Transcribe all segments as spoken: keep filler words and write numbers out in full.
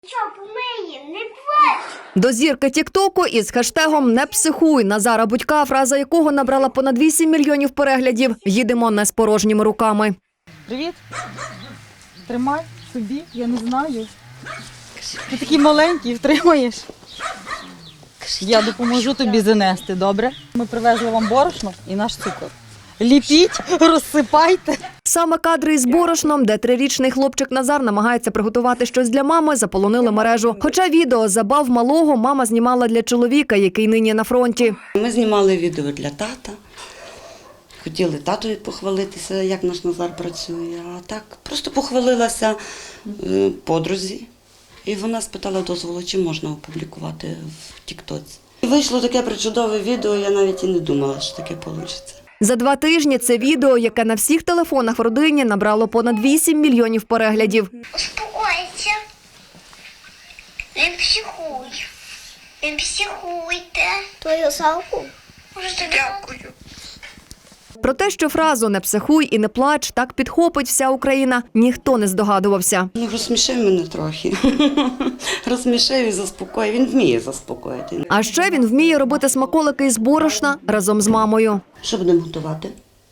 Що, помиє, не плач! До зірки тіктоку із хештегом «Не психуй» Назара Будька, фраза якого набрала понад вісім мільйонів переглядів. Їдемо не з порожніми руками. Привіт. Тримай собі, я не знаю. Ти такий маленький, втримаєш. Я допоможу тобі занести, добре? Ми привезли вам борошно і наш цукор. Ліпіть, розсипайте. Саме кадри із борошном, де трирічний хлопчик Назар намагається приготувати щось для мами, заполонили мережу. Хоча відео забав малого мама знімала для чоловіка, який нині на фронті. Ми знімали відео для тата. Хотіли татові похвалитися, як наш Назар працює. А так просто похвалилася е, подрузі. І вона спитала дозволу, чи можна опублікувати в тіктоці. І вийшло таке причудове відео, я навіть і не думала, що таке вийде. За два тижні це відео, яке на всіх телефонах в родині набрало понад вісім мільйонів переглядів. Успокойся. Не психуй. Не психуйте. Твою салку? Дуже дякую. Про те, що фразу «Не психуй і не плач» так підхопить вся Україна, ніхто не здогадувався. Ну, розсмішив мене трохи. Розсмішив і заспокоїв. Він вміє заспокоїти. А ще він вміє робити смаколики із борошна разом з мамою. Що будемо готувати?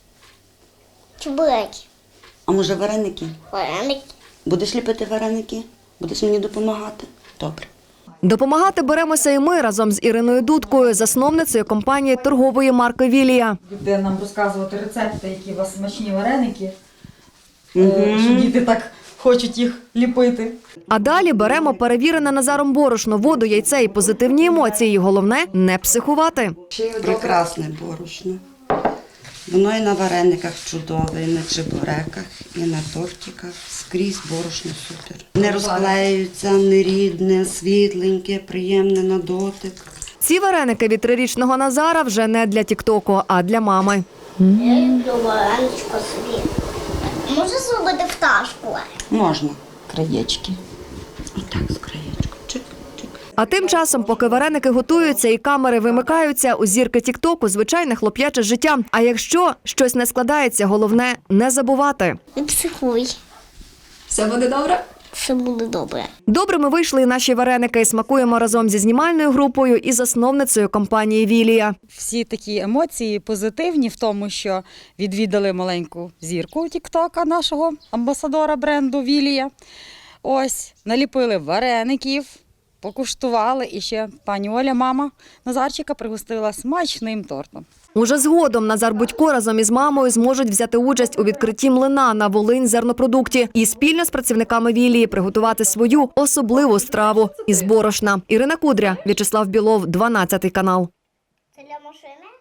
Чебуреки. А може вареники? Вареники. Будеш ліпити вареники? Будеш мені допомагати? Добре. Допомагати беремося і ми разом з Іриною Дудкою, засновницею компанії торгової марки «Вілія». Буде нам розказувати рецепти, які у вас смачні вареники, угу. Що діти так хочуть їх ліпити. А далі беремо перевірене Назаром борошно, воду, яйце і позитивні емоції. Головне – не психувати. Прекрасне борошно. Воно і на варениках чудове, і на чебуреках, і на тортиках. Скрізь борошно супер. Не розклеюється, не рідне, світленьке, приємне на дотик. Ці вареники від трирічного Назара вже не для тіктоку, а для мами. Я люблю вареничко собі. Можна зробити пташку? Можна. Краєчки. Отак з краєчком. Чик-чик. А тим часом, поки вареники готуються і камери вимикаються, у зірки тіктоку звичайне хлоп'яче життя. А якщо щось не складається, головне – не забувати. Не психуй. Все буде добре? Все буде добре. Добрими вийшли і наші вареники. Смакуємо разом зі знімальною групою і засновницею компанії «Вілія». Всі такі емоції позитивні в тому, що відвідали маленьку зірку тіктока нашого амбасадора бренду «Вілія». Ось, наліпили вареників, покуштували, і ще пані Оля, мама Назарчика, пригостила смачним тортом. Уже згодом Назар Будько разом із мамою зможуть взяти участь у відкритті млина на Волинь зернопродукті і спільно з працівниками «Вілії» приготувати свою особливу страву із борошна. Ірина Кудря, В'ячеслав Білов, дванадцятий канал. Це для машини?